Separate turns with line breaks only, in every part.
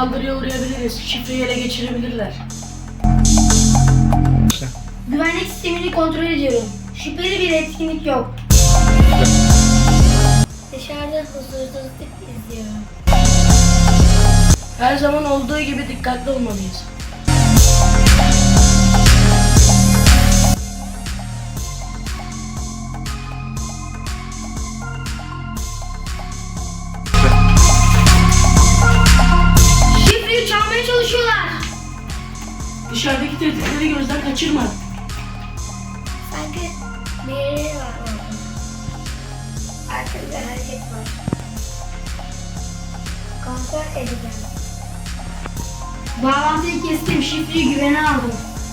saldırıya uğrayabiliriz. Şifreyi ele geçirebilirler.
Güvenlik sistemini kontrol ediyorum. Şüpheli bir etkinlik yok. Dışarıda huzursuzluk izliyorum.
Her zaman olduğu gibi dikkatli olmalıyız.
Şifreyi çalmaya çalışıyorlar.
Dışarıdaki tehditleri gözden kaçırma.
Sanki birileri var orada. Artık bir hareket var. Kontrol edeceğim. Bağlantıyı kestim. Şifreyi güvene aldım.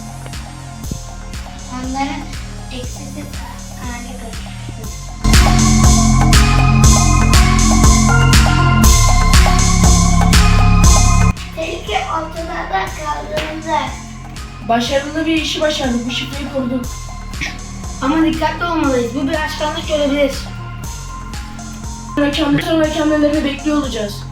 Onların eksiksiz hale karıştırdım. Tehlike ortalardan kaldığında.
Başarılı bir işi başardık. Bu şifreyi koruduk.
Ama dikkatli olmalıyız. Bu bir aşkanlık olabilir.
Sonraki hamlelerini bekliyor olacağız.